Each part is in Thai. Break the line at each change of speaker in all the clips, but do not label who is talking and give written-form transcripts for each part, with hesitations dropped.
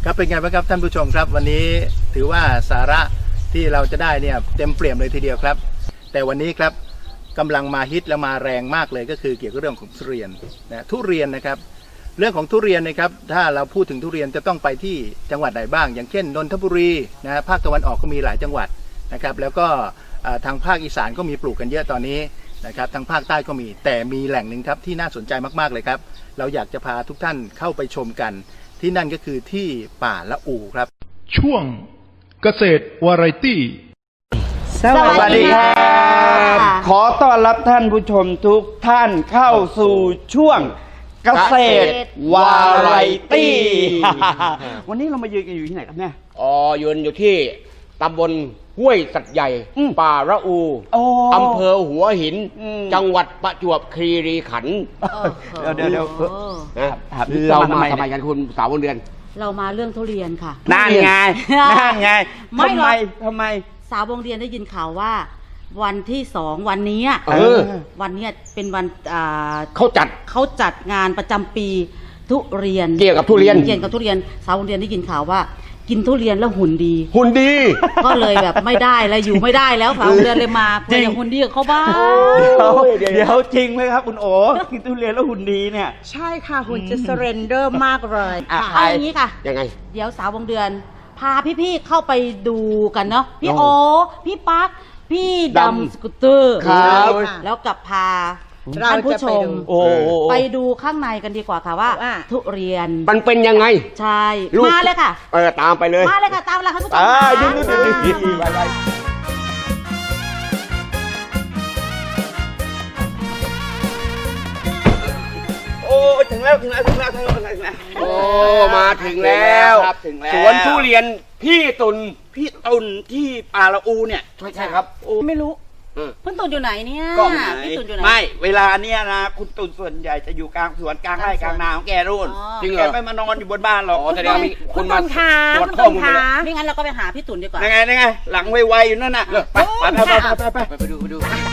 ครับเป็นไงบ้างครับท่านผู้ชมครับวันนี้ถือว่าสาระที่เราจะได้เนี่ยเต็มเปี่ยมเลยทีเดียวครับแต่วันนี้ครับกำลังมาฮิตและมาแรงมากเลยก็คือเกี่ยวกับเรื่องของทุเรียนนะทุเรียนนะครับเรื่องของทุเรียนนะครับถ้าเราพูดถึงทุเรียนจะต้องไปที่จังหวัดไหนบ้างอย่างเช่นนนทบุรีนะภาคตะวันออกก็มีหลายจังหวัดนะครับแล้วก็ทางภาคอีสานก็มีปลูกกันเยอะตอนนี้นะครับทางภาคใต้ก็มีแต่มีแหล่งหนึ่งครับที่น่าสนใจมากๆเลยครับเราอยากจะพาทุกท่านเข้าไปชมกันที่นั่นก็คือที่ป่าละอูครับ
ช่วงเกษตรวาไรตี้
สวัสดีครับขอต้อนรับท่านผู้ชมทุกท่านเข้าสู่ช่วงเกษตรวาไรตี้ วันนี้เรามายืนกันอยู่ที่ไหนครับเนี่ย
ยืนอยู่ที่ตำบลห้วยสัตว์ใหญ่ป่าละอูอำเภอหัวหินจังหวัดประจวบคีรีขันธ์
เดี๋ยว
เรามาทำไมกันคุณสาวบนเดือน
เรามาเรื่องทุเรียนค่ะ
นั่นไงทำไม
สาววงเรียนได้ยินข่าวว่าวันที่2วันนี้วันนี้เป็นวัน
เขา
จัดงานประจำปีทุเรียน
เกี่ยวกับทุเรียน
สาววงเรียนได้ยินข่าวว่ากินทุเรียนแล้วหุ่นดีก็เลยแบบไม่ได้แล้วอยู่ไม่ได้แล้วสาววงเรียนเลยมาเพื่ออย่างหุ่นดีกับเขาบ้าง
เดี๋ยวจริงไหมครับคุณโอ๋กินทุเรียนแล้วหุ่นดีเนี่ย
ใช่ค่ะหุ่นจะเซเรนเดอร์มากเลย
เอาอย่างนี้ค่ะ
ยังไง
เดี๋ยวสาววงเดือนพาพี่ๆเข้าไปดูกันเนาะพี่โอพี่ปั๊กพี่ดำสกูตเตอร์แล้วกับพาท่านผู้ชมไปดูข้างในกันดีกว่าค่ะว่าทุเรียน
มันเป็นยังไง
ใช่มาเลยค่ะ
ตามไปเลย
มาเลยค่ะตามเลยท่านผู้ชม
ถึงแล้ว
โอ้มาถึงแล้วสวนทุเรียนพี่ตุน
ที่ป่าละอูเนี่ย
ใช่ครับ
ไม่รู้คุณตุนอยู่ไหนเนี่ย
พี่ตุนอยู่ไหนไม่เวลาเนี้ยนะคุณตุนส่วนใหญ่จะอยู่กลางสวนกลางไร่กลางนาของแกรุ่น
จริงเหรอ
แกไม่มานอนอยู่บนบ้านหรอก
แสดงมีคนมา
ตรวจข้อมูลไม่งั้นเราก็ไปหาพี่ตุนดีกว่า
ไงหลังไวๆอยู่นั่นน่ะไปดู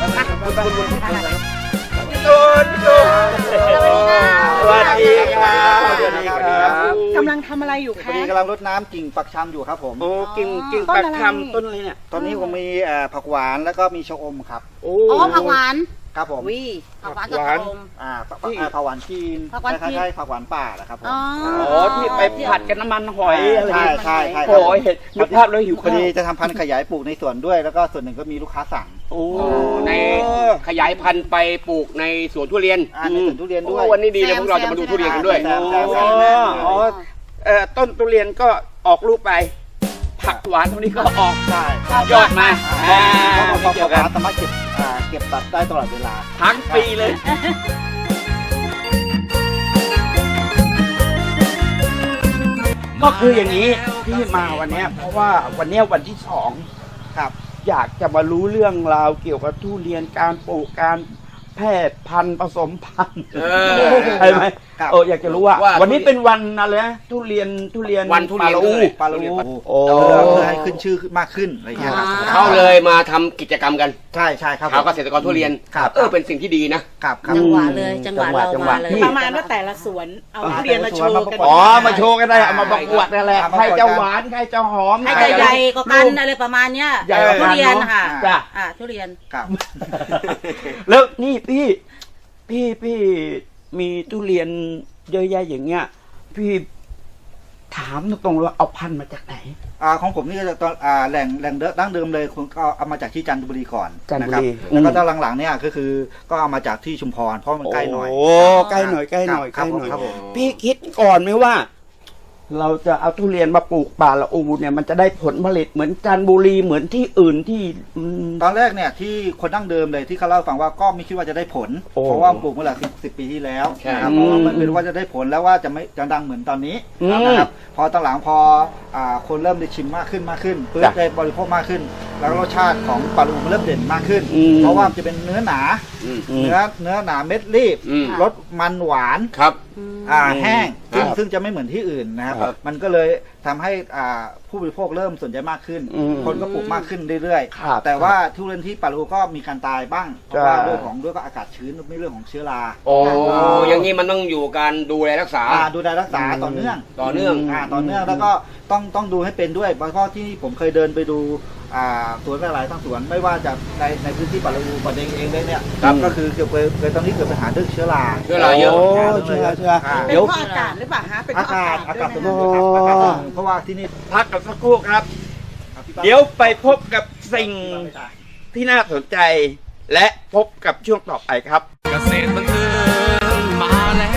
สวัสดีครับ
กำลังทำอะไรอยู่คะ
กำลังรดน้ำกิ่งปักชำอยู่ครับผม
กิ่งปักชำต้นอะไรเนี่ย
ตอนนี้ผมมีผักหวานแล้วก็มีชะอมครับ
ผักหวาน
ครับผม
ผักหวานกับชะอม
ผักหวานจีนคล้ายๆผักหวานป่าแหละครับผม
ที่ไปผัดกันน้ำมันหอย
ใช่
โอ้ยเห็นนึกภาพแล้วหิว
พอดีจะทำพันธุ์ขยายปลูกในสวนด้วยแล้วก็ส่วนหนึ่งก็มีลูกค้าสั่ง
ในขยายพันธุ์ไปปลูกในสวนทุเรียน
ในสวนทุเรียนด้วย
วันนี้ดีเลยพวกเราจะมาดูทุเรียนกันด้วย
ต้นทุเรียนก็ออกลูกไปผักหวานตรงนี้ก็ออกยอดมา
ผักหวานสามารถเก็บตัดได้ตลอดเวลา
ทั้งปีเลยก็คืออย่างนี้ที่มาวันนี้เพราะว่าวันนี้วันที่2ครับอยากจะมารู้เรื่องราวเกี่ยวกับทุเรียนการปลูกการแพร่พันธุ์ผสมพันธุ์ใช่ไหมอยากจะรู้ว่าวันนี้เป็นวันอะไรนะทุเรียน
วันทุเรียน
ปลาละอูให้ขึ้นชื่อมากขึ้นอะไรอย่างเงี้ย
เขาเลยมาทำกิจกรรมกัน
ใช่ครับ
เขาเกษตรกรทุเรียนเป็นสิ่งที่ดีนะ
จังหวะเลยจังหวะเรามาเลย
ประมาณว่าแต่ละสวนเอาทุเรียนมาโชว์กัน
มาโชว์กันได้เอามาประกวดนั่นแหละใครจะหวานใครจะหอม
ใครจะใหญ่ก็กันอะไรประมาณเนี้ยทุเรียนค่ะทุเรียน
แล้วนี่พี่มีทุเรียนเยอะแยะอย่างเงี้ยพี่ถามตรงๆว่าเอาพันธุ์มาจากไหน
ของผมนี่ก็จะตอนแหล่งดั้งเดิมเลยคุณก็เอามาจากที่จันทบุรีก่อน
นะครับ
แล้วก็ตอนหลังๆเนี่ยก็คือก็เอามาจากที่ชุมพรเพราะมันใกล้หน่อย
ใกล้หน่อยครับพี่คิดก่อนไหมว่าเราจะเอาทุเรียนมาปลูกป่าละอูเนี่ยมันจะได้ผลผลิตเหมือนจันทบุรีเหมือนที่อื่นที่
ตอนแรกเนี่ยที่คนดั้งเดิมเลยที่เขาเล่าฟังว่าก็ไม่คิดว่าจะได้ผลเพราะว่าปลูกเมื่อหลาย10 ปีที่แล้วนะครับเพราะว่ามันเป็นว่าจะได้ผลแล้วว่าจะดังเหมือนตอนนี้นะครับพอตอนหลังพอคนเริ่มได้ชิมมากขึ้นเพื่อได้บริโภคมากขึ้นแล้วรสชาติของปลาลูมันเริ่มเด่นมากขึ้น เพราะว่ามันจะเป็นเนื้อหนา เนื้อหนาเม็ดรีบ รสมันหวาน
ครับ
แห้งซึ่งจะไม่เหมือนที่อื่นนะครับ มันก็เลยทำให้ผู้บริโภคเริ่มสนใจมากขึ้น คนก็ปลูกมากขึ้นเรื่อยๆแต่ว่าทุเรียนที่ปารูก็มีการตายบ้างเพราะว่าด้วยก็อากาศชื้นไม่เรื่องของเชื้อรา
โอ้อย่างนี้มันต้องอยู่การดูแลรักษา
ดูแลรักษาต่อเนื่อง
ต่อเนื่อง
แล้วก็ต้องดูให้เป็นด้วยเพราะที่ผมเคยเดินไปดูสวนหลายๆทั้งสวนไม่ว่าจะในพื้นที่ปารูปัตตานีเองได้เนี่ยก็คือเคยตอนนี้เกิดปัญหาเรื่องเชื้อรา
เชื้อราเยอะ
เชื้อ
เป็นเพราะอากาศหรือเปล่าฮะเป็นเพราะอากาศ
สม
ด้
บู
วย
ร
ไหม
ณ์
คะ
อากาศสมบูรณ์เพราะว่าที่นี่
พักกันสักครู่ครับ เดี๋ยวไปพบกับสิ่งที่น่าสนใจ และพบกับช่วงต่อไปครับ
เกษตรบันเทิงมาแล้ว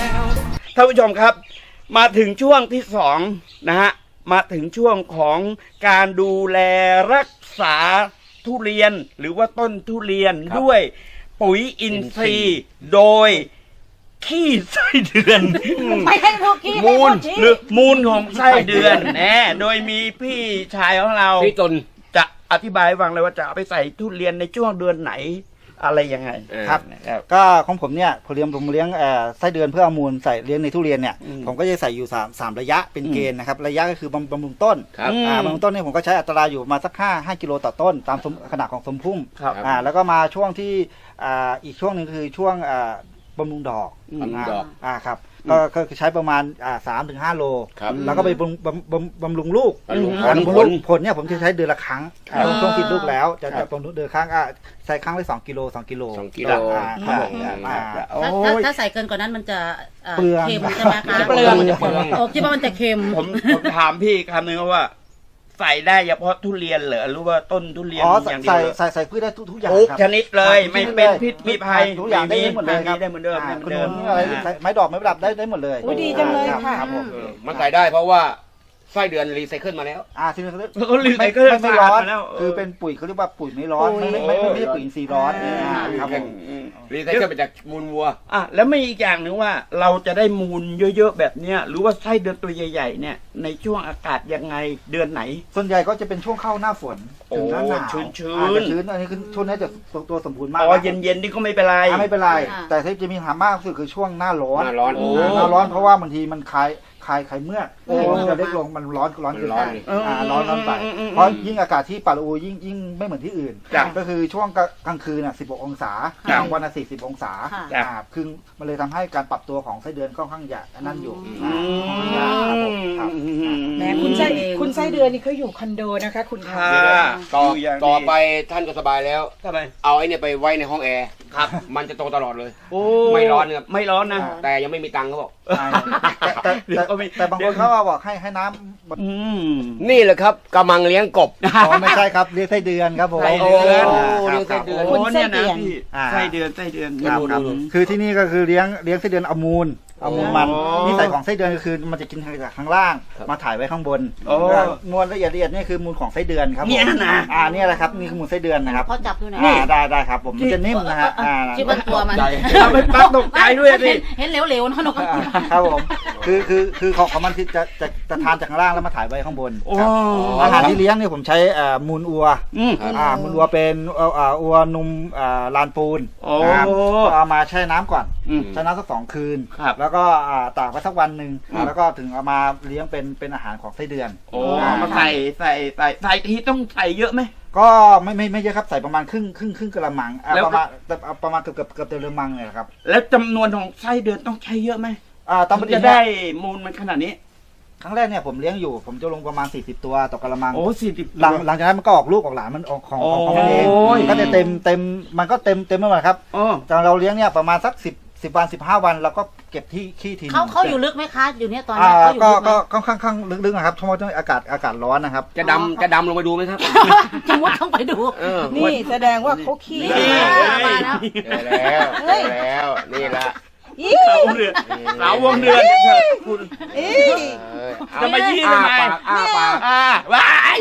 ท่านผู้ชมครับ มาถึงช่วงที่สองนะฮะมาถึงช่วงของการดูแลรักษาทุเรียนหรือว่าต้นทุเรียนด้วยปุ๋ยอินทรีย์โดยขี้ไส้เดือน
ไม่ให้พวกขี้
มูลหรือมูลของไส้เดือนแน่โดยมีพี่ชายของเรา
พี่ตน
จะอธิบายให้ฟังเลยว่าจะเอาไปใส่ทุเรียนในช่วงเดือนไหนอะไรยังไง
ครับก็ของผมเนี่ยผมเลี้ยงไส้เดือนเพื่อเอามูลใส่เลี้ยงในทุเรียนเนี่ยผมก็จะใส่อยู่3ระยะเป็นเกณฑ์นะครับระยะก็คือบำรุงต้น
ครับ
บำรุงต้นเนี่ยผมก็ใช้อัตราอยู่มาสัก5กิโลต่อต้นตามขนาดของสมพุ่ม
ครับ
แล้วก็มาช่วงที่อีกช่วงหนึ่งคือช่วงบำรุงดอก
บำรุงดอก
ครับก็ใช้ประมาณ3-5 โล
ครับ
แล้วก็ไปบำรุงลูก
บำรุง
บำรุง
ผ
ลู
ล
กผลเนี่ยผมจะใช้เดือนละครั้งช่วงติดลูกแล้วจะบำรุงเดือนครั้งใช้ครั้งละ2 กิโล
2 กิโล
ครับผม
โอ้
ถ้าย ใส่เกินกว่านั้นมันจะ
เปลือง
เค็มใช่ไหมคะ
เปลือง
โอ้คิดว่ามันจะเค็ม
ผมถามพี่คำนึงว่า ใส่ได้เฉพาะทุเรียนเหรอหรือว่าต้นทุเรียนอย่างเดียวเหรอ
ใส่พืชได้ทุกอย่าง
ทุก
ครับ
ชนิดเลยไม่เป็นพิษมีภัย
ทุกอย่างได้หมดเลยครับ
ได้เหมือนเดิม
ขนุนอะไรไม้ดอกไม้ประดับได้หมดเลย
อุ๊ยดีจังเลยค่ะ
รับผม
มันใส่ได้เพราะว่าไส้เดือนรีไซเคิลมาแล้ว
ทีนี้เขาเรียก
เขารีไซเคิล
ไม่ร้อน
สะอาดมาแล้ว
คือเป็นปุ๋ยเขาเรียกว่าปุ๋ยไม่ร้อนไม่ใช่ปุ๋ยอินทรีย์ร้อนครับผม
รีไซเคิลมาจากมูลวัว
แล้วไม่อีกอย่างหนึ่งว่าเราจะได้มูลเยอะๆแบบเนี้ยหรือว่าไส้เดือนตัวใหญ่ๆเนี่ยในช่วงอากาศยังไงเดือนไหน
ส่วนใหญ่ก็จะเป็นช่วงเข้าหน้าฝนถึงหน้าหนาว
ชื้น
จะชื้นอันนี้คือช่วงนี้จะตัวสมบูรณ์มาก
อ๋อเย็นๆนี่ก็ไม่เป็นไร
ไม่เป็นไร
ค่ะ
แต่ที่จะมีปัญหามากที่สุดคือช่วงหน้าร้อน
หน้าร้อน
หน้าร้อนเพราะว่าบางทีมันคลายเมือกมันจะเล็กลงมันร้อนเกิน
มันร้
ไป
อน
ร้อนไปเพราะยิ่งอากาศที่ปารูยิ่งไม่เหมือนที่อื่น
จ้ะ
ก็คือช่วงกลางคืน16 องศา
จ้ะ
กลางวัน40 องศา
ค่ะ
จ้ะ
คือมันเลยทำให้การปรับตัวของไส้เดือนค่อนข้างยากนั่นอยู่
ม
ครับผมครับ
แหมคุณไส้เดือนนี่เขาอยู่คอนโดนะคะคุณคะ
ค่ะ
ต่อ
อยู่อย่างดี
ต่อไปท่านก็สบายแล้ว
ทำไม
เอาไอ้เนี่ยไปไว้ในห้องแอร์
ครับ
มันจะโตตลอดเลย
โอ้
ไม่ร้อนครับ
ไม่ร้อนนะ
แต่ยังไม่มีตังค์เขาบอก
เดี๋ยวก็มี
แต่บางคนเขาบอกให้น้ำ
อืม
นี่แหละครับกำลังเลี้ยงกบ
อ๋อไม่ใช่ครับเรียกไส้เดือนครับผม
ไส้เดือน
เรียกไส้เดือน
โอ้เนี่ยนะพี่
อ่า
ไส้เดือนไส้เดือน
ครับครับคือที่นี่ก็คือเลี้ยงไส้เดือนเอามูลมัน
อ๋อ
นิสัยของไส้เดือนก็คือมันจะกินจากข้างล่างมาถ่ายไว้ข้างบน
โอ้
มวลละเอียดนี่คือมูลของไส้เดือนครับผม
เนี่ยนะ
เนี่ยแหละครับนี่คือมูลไส้เดือนนะครับ
เขาจับดูหน่อย
ได้ครับผมมันจะนิ่มนะฮะ
คิดว่าตัวมัน
เอาไปปักตกใจด้วยสิ
เห็นเหลวๆนะนก
ครับผมคือของมันที่จะทานจากข้างล่างแล้วมาถ่ายไว้ข้างบน
โอ้
ครับอาหารที่เลี้ยงเนี่ยผมใช้มูลอัว
อืม
มูลวัวเป็นวัวนมลานปูน
โอ้
นะครับก็เอามาแช่น้ำก่อน
อืม
แช่น้ำสัก2 คืน
ครับ
แล้วก็ตากไว้สักวันหนึ่ง
ครับ
แล้วก็ถึงเอามาเลี้ยงเป็นอาหารของไส้เดือน
โอ้มาใส่ทีต้องใส่เยอะไหม
ก็ไม่เยอะครับใส่ประมาณครึ่งกระมัง
แล้วก็
ประมาณเกือบเต็มกระมังเลยครับ
แล้วจำนวนของไส้เดือนต้องใช้เยอะไหม
ตามป
มัน
กติ
จะได้มูลมันขนาดนี้
ครั้งแรกเนี่ยผมเลี้ยงอยู่ผมจะลงประมาณ40 ตัวต่อกระมัง
โอ้40
หลังจากนั้นมันก็ออกลูกออกหลานมันออกของมันเอง
โอ้ย
ก็จะเต็มมันก็เต็มไม่หมดครับ
อ๋อ
ตอนเราเลี้ยงเนี่ยประมาณสัก10 วัน 15 วันเราก็เก็บที่ขี้ทีนึง
เขาอยู่ลึกไหมคะ อยู่เนี่ยตอนนี้เขาอยู่
ก็
ลึกไหม
ก็ค่อนข้างลึกๆนะครับเพราะว่าอากาศร้อนนะครับ
จะดำลงไปดูไหมครับ
จะมุดต้องไปดู
นี่แสดงว่าเขาขี้
นี่ มาแล้ว
เจอแล้วเจอแล้วนี่ละ
สาววงเดือนสาววงเดือนคุณ
อี
จะมายี่ทำไม
อ้าปาก
ว้าย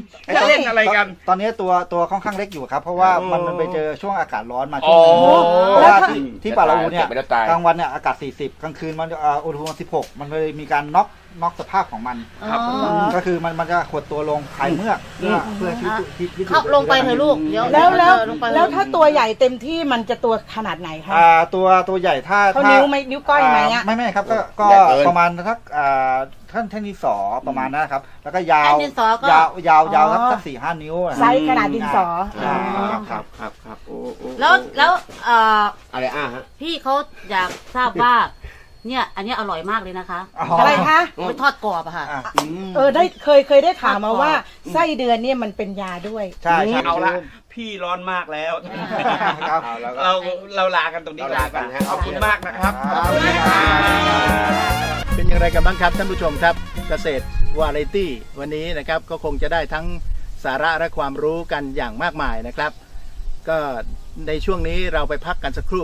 จะเล่นอะไรกัน
ตอนนี้ตัวค่อนข้างเล็กอยู่ครับ เพราะว่ามันไปเจอช่วงอากาศร้อนมาช่
อ๋
ว
อง
นึงเพราะว่าที่ป่าละอูเนี่ย
เก็บไม่ได้ตาย
กลางวันเนี่ยอากาศ 40 กลางคืนมันอุณหภูมิ16 มันเลยมีการน็อกสภาพของมัน
ครับ
ก็คือมันจะหดตัวลงคลายเมือกเพื่อที่
เข้าลงไปเถอะลูกเดี๋ยว
แล้ว
ลงไป
แล้วถ้าตัวใหญ่เต็มที่มันจะตัวขนาดไหนคะ
ตัวใหญ่ถ้า
เขานิ้วไหมนิ้วก้อยไหมอะ
ไม่ครับก็
ใหญ่เกิน
ประมาณสักท่านดินสอประมาณนั้นนะครับ แล้วก็ยาว
แท่นดินสอก็
ยาวสัก 4-5 นิ้วอะ
ไซส์ขนาดดินสอ
ครับโอ้
แล้ว
อะไรฮะ
พี่เขาอยากทราบว่า เนี่ยอันเนี้ยอร่อยมากเลยนะคะ
อะไรคะ
ไปทอดกรอบอะค่ะ
ได้เคยได้ข่าวมาว่าไส้เดือนเนี่ยมันเป็นยาด้วย
ใช่
เอาละพี่ร้อนมากแล้ว
ครับ
เราลากันตรงนี้
เราลากันฮะ
ขอบคุณมากนะครับ
เป็นอย่างไรกันบ้างครับท่านผู้ชมครับเกษตรวาไรตี้วันนี้นะครับก็คงจะได้ทั้งสาระและความรู้กันอย่างมากมายนะครับ ก็ในช่วงนี้เราไปพักกันสักครู่